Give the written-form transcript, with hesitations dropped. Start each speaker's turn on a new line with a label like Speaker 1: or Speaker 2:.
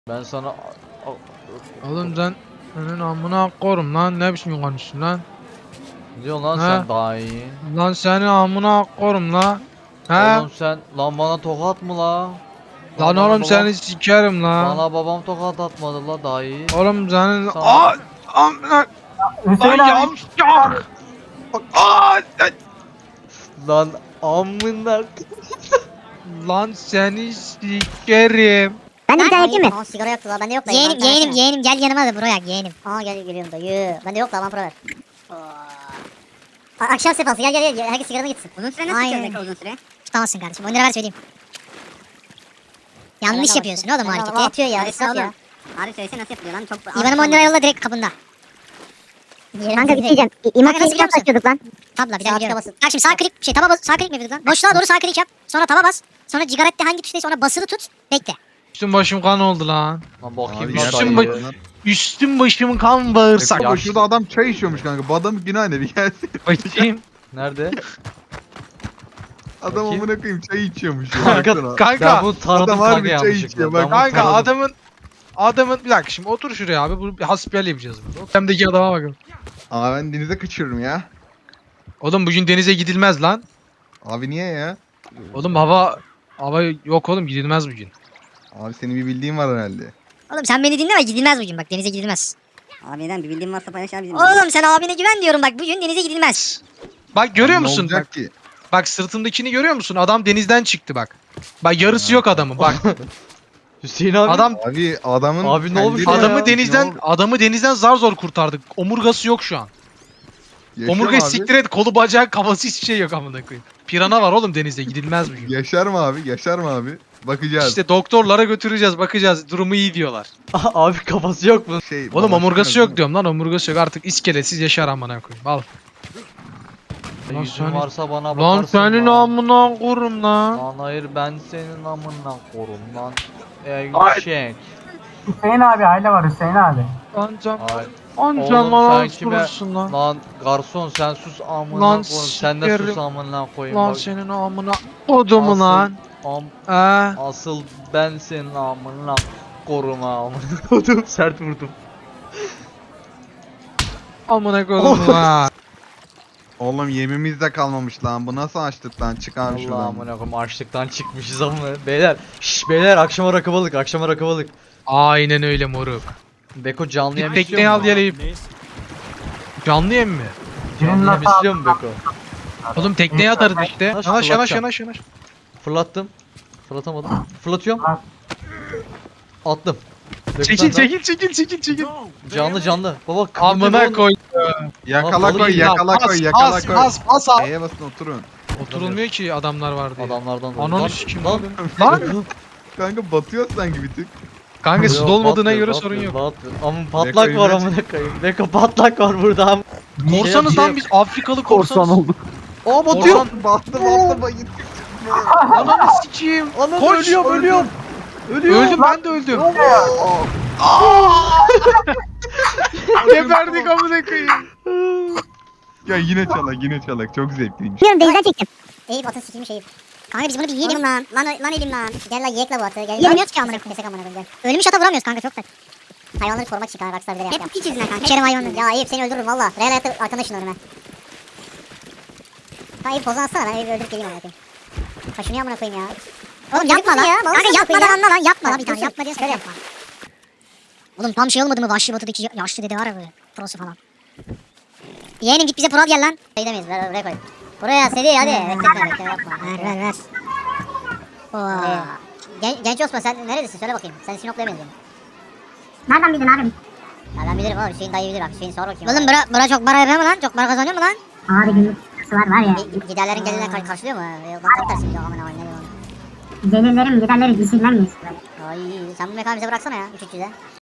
Speaker 1: Ben sana...
Speaker 2: Oğlum sen senin amına korum lan, ne biçim konuşuyorsun lan?
Speaker 1: Ne diyorsun lan
Speaker 2: He?
Speaker 1: sen daha iyi?
Speaker 2: Lan senin amına korum la. He?
Speaker 1: Oğlum sen lan bana tokat mı la?
Speaker 2: Lan
Speaker 1: bana
Speaker 2: oğlum
Speaker 1: babam,
Speaker 2: seni sikerim la.
Speaker 1: bana babam tokat atmadı la daha iyi.
Speaker 2: Oğlum senin
Speaker 1: Sana-
Speaker 2: amına
Speaker 3: Hüseyin
Speaker 2: lan
Speaker 3: abi.
Speaker 2: yavşak.
Speaker 1: Lan amına.
Speaker 2: Lan seni sikerim.
Speaker 4: Ben de bir tane yakayım mı?
Speaker 5: Aa sigara yaktı la bende yok da.
Speaker 4: Yeğenim yeğenim yeğenim gel yanıma da bro yak yeğenim.
Speaker 5: Aa geliyorum dayı. Bende yok da aman para ver. Akşam sefası gel. Herkes sigaranı gitsin.
Speaker 4: Uzun süre
Speaker 5: nasıl
Speaker 4: Aynen.
Speaker 5: çözecek uzun süre?
Speaker 4: Tutamazsın kardeşim 10 lira ver söyleyeyim. Yanlış yapıyorsun oğlum o hareketi.
Speaker 5: Atıyor ya
Speaker 4: Abi
Speaker 5: israf ya.
Speaker 4: Abi söylesene nasıl yapılıyor lan çok... İvan'ıma 10 lira yolla direkt kapında.
Speaker 5: Kanka bir şey diyeceğim.
Speaker 4: İmak nasıl biliyor musun?
Speaker 5: açıyorduk lan.
Speaker 4: Tabla bir
Speaker 5: Sağ
Speaker 4: daha
Speaker 5: tuşa
Speaker 4: biliyorum.
Speaker 5: basın.
Speaker 4: Bak şimdi sağ klik sağ klik mi yapıyorduk lan? Boşluğa doğru sağ klik yap. Sonra taba bas. Sonra cigarette hangi tuştaysa ona basılı tut. Bekle.
Speaker 2: Üstüm başım kan oldu lan.
Speaker 1: Lan bakayım
Speaker 6: Abi
Speaker 1: lan
Speaker 2: üstüm
Speaker 1: dayı.
Speaker 2: Üstüm başım kan bağırsak.
Speaker 6: Bak şurada adam çay içiyormuş kanka. Bu adam günah ne bir gelsin.
Speaker 2: Bakayım.
Speaker 1: Nerede?
Speaker 6: Adam
Speaker 1: Bakayım.
Speaker 6: amına koyayım çay içiyormuş. ya.
Speaker 1: Kanka,
Speaker 6: Baksana.
Speaker 1: Ben
Speaker 2: Kanka.
Speaker 1: bunu taradım
Speaker 6: Adam
Speaker 1: kanka
Speaker 6: harbi çay
Speaker 1: yanlışlıkla.
Speaker 6: içiyor,
Speaker 1: Ben
Speaker 6: bak.
Speaker 1: bunu
Speaker 2: Kanka
Speaker 1: taradım.
Speaker 2: adamın bir dakika şimdi otur şuraya abi. Bu bir hasbihal yapacağız burada. Hemdeki adama bakın.
Speaker 6: Ama ben denize kaçıyorum ya.
Speaker 2: Oğlum bugün denize gidilmez lan.
Speaker 6: Abi niye ya?
Speaker 2: Oğlum hava yok oğlum, gidilmez bugün.
Speaker 6: Abi senin bir bildiğin var herhalde.
Speaker 4: Oğlum sen beni dinleme gidilmez bugün bak denize gidilmez.
Speaker 5: Abiden bir bildiğin varsa paylaş abi bizim.
Speaker 4: Oğlum sen abine güven diyorum bak bugün denize gidilmez.
Speaker 2: Bak görüyor
Speaker 6: Abi ne
Speaker 2: musun?
Speaker 6: olacak
Speaker 2: Bak,
Speaker 6: ki?
Speaker 2: bak sırtımdakini görüyor musun? Adam denizden çıktı bak. Bak yarısı yok adamın bak.
Speaker 1: Hüseyin abi.
Speaker 2: Adam
Speaker 6: Abi adamın...
Speaker 1: Abi ne olmuş
Speaker 6: kendini-
Speaker 1: ya?
Speaker 2: adamı denizden zar zor kurtardık. Omurgası yok şu an.
Speaker 6: Yaşar
Speaker 2: Omurgayı
Speaker 6: mı abi?
Speaker 2: siktir et, kolu bacağı kafası hiçbir şey yok amına koyayım. Pirana var oğlum denizde, gidilmez bugün.
Speaker 6: Yaşar mı abi? Yaşar mı abi? Bakacağız.
Speaker 2: İşte doktorlara götüreceğiz, bakacağız. Durumu iyi diyorlar.
Speaker 1: Abi kafası yok mu?
Speaker 6: Şey,
Speaker 2: Oğlum
Speaker 6: babası
Speaker 2: omurgası
Speaker 6: geldi.
Speaker 2: yok diyorum lan, omurgası yok. Artık iskeletsiz yaşar amına koyayım. Al. Lan
Speaker 1: Yüzün
Speaker 2: senin-
Speaker 1: varsa bana
Speaker 2: Lan
Speaker 1: bakarsın
Speaker 2: senin
Speaker 1: lan.
Speaker 2: amına korum lan.
Speaker 1: Lan hayır ben senin amına korum lan.
Speaker 3: Ay.
Speaker 1: Eşek.
Speaker 3: Hüseyin abi aile var Hüseyin abi.
Speaker 2: Lan can.
Speaker 1: Ay.
Speaker 2: Lan
Speaker 1: Oğlum
Speaker 2: can bana
Speaker 1: sen kime-
Speaker 2: vurursun lan.
Speaker 1: Lan garson sen sus amına
Speaker 2: Lan
Speaker 1: koyayım. Sen de
Speaker 2: sikerim.
Speaker 1: sus amına koyayım.
Speaker 2: Lan
Speaker 1: Bak,
Speaker 2: senin amına kodumu
Speaker 1: asıl-
Speaker 2: lan.
Speaker 1: am-
Speaker 2: He.
Speaker 1: Asıl ben senin amına korum amına kodum. Sert vurdum.
Speaker 2: Amına kodumu lan.
Speaker 6: Oğlum yemimiz de kalmamış lan. Bu nasıl açtık lan? Çık abi
Speaker 1: Allah
Speaker 6: şuradan.
Speaker 1: amına koyayım açlıktan çıkmışız ama. Beyler. Şşş beyler akşama rakı balık akşama rakı balık.
Speaker 2: Aynen öyle moruk.
Speaker 1: Beko canlı
Speaker 2: Bir
Speaker 1: yem
Speaker 2: tekneyi
Speaker 1: istiyor
Speaker 2: al
Speaker 1: mu?
Speaker 2: geleyim. Canlı yem mi?
Speaker 3: Birinin
Speaker 1: Canlı yem
Speaker 3: nasıl
Speaker 1: istiyor mu Beko?
Speaker 2: Oğlum tekneye atarız işte.
Speaker 1: Yanaş,
Speaker 2: Yanaş yanaş
Speaker 1: fırlatacağım.
Speaker 2: yanaş yanaş.
Speaker 1: Fırlattım. Fırlatamadım. Fırlatıyorum.
Speaker 3: At.
Speaker 1: Attım. Beko
Speaker 2: Çekil
Speaker 1: sen de
Speaker 2: çekil çekil çekil çekil.
Speaker 1: al. Canlı. Baba kıvırcık
Speaker 2: Amına
Speaker 1: oğlum.
Speaker 2: koy.
Speaker 6: Yakala
Speaker 1: Balık
Speaker 6: koy,
Speaker 1: yiyeyim.
Speaker 6: yakala
Speaker 2: Pas,
Speaker 6: koy, yakala
Speaker 2: pas,
Speaker 6: koy.
Speaker 2: pas, pas al.
Speaker 6: E'ye basın oturun.
Speaker 2: Oturulmuyor ki adamlar var diye.
Speaker 1: Adamlardan dolayı.
Speaker 2: Ananı
Speaker 1: Lan,
Speaker 2: sikim
Speaker 1: lan.
Speaker 2: oğlum. Lan.
Speaker 6: Kanka batıyor sanki bir tık.
Speaker 2: Kanka su
Speaker 1: Yok,
Speaker 2: dolmadığına
Speaker 1: batmıyor,
Speaker 2: göre
Speaker 1: batmıyor,
Speaker 2: sorun yok.
Speaker 1: batmıyor. Ama patlak
Speaker 6: Beko'yu
Speaker 1: var
Speaker 6: ben-
Speaker 1: amına koyayım. Beko patlak var burada am.
Speaker 2: Korsanız
Speaker 1: Şey-
Speaker 2: lan biz, Afrikalı korsanız.
Speaker 3: olduk.
Speaker 1: Aa batıyor.
Speaker 2: Korsan.
Speaker 6: Battı bayır.
Speaker 2: Ananı sikeyim.
Speaker 1: Anam
Speaker 2: Koş.
Speaker 1: ölüyorum.
Speaker 2: Öldüm ben de öldüm. Geberdik amına koyayım.
Speaker 6: Ya yine çalak çok zevkliymiş.
Speaker 4: Biliyorum denizden çektim.
Speaker 5: Eyüp atın sikimi şeyip.
Speaker 4: Kanka biz bunu bir yiyelim.
Speaker 5: Oğlum lan elim lan. Gel lan yiyek la bu atı. Gel.
Speaker 4: Yiyemiyoruz ki amına koyayım.
Speaker 5: Kesek amına koyayım gel.
Speaker 4: Ölmüş ata vuramıyoruz kanka çok da.
Speaker 5: Hayvanları korumak için kanka Rockstar bile
Speaker 4: Hep
Speaker 5: yaptı.
Speaker 4: piç yüzünden kanka. İçerim hayvanları.
Speaker 5: Ya Eyüp seni öldürürüm valla. Real hayatta arkana şunlarım ben. Ha Eyüp pozan atsana ben Eyüp'ü öldürüp geleyim amına koyayım. Ha şunu amına koyayım ya.
Speaker 4: Oğlum yapma lan.
Speaker 5: ya, balık
Speaker 4: Kanka
Speaker 5: sana
Speaker 4: yapma
Speaker 5: koyayım
Speaker 4: lan anla lan yapma lan bir
Speaker 5: Bak,
Speaker 4: tane
Speaker 5: dur,
Speaker 4: yapma diye
Speaker 5: şöyle.
Speaker 4: söyle yapma. Oğlum tam şey olmadı mı Vahşi Batı'daki yaşlı dede var ya böyle prosu falan. Yeğenim git bize pro al gel lan.
Speaker 5: Gidemeyiz ver oraya koy. Buraya seri hadi. Bekletme yapma.
Speaker 4: Ver. Oo.
Speaker 5: Genç Osman sen neredesin söyle bakayım. Sen Sinop'la benziyorsun.
Speaker 4: Nereden bildin abi?
Speaker 5: Ya ben bilirim abi Hüseyin dayı bilir bak Hüseyin sor bakayım.
Speaker 4: Oğlum bura çok para yapıyor mu lan? Çok para kazanıyor mu lan?
Speaker 7: Abi günlük sıkıntısı var ya.
Speaker 5: Giderlerin gelirine karşılıyor mu? Ondan tam tersi biliyor amına koyayım ne diyorsun?
Speaker 7: Gelirlerim giderleri düşünmem miyiz böyle?
Speaker 5: Ay sen bu mekanı bize bıraksana ya 300'e.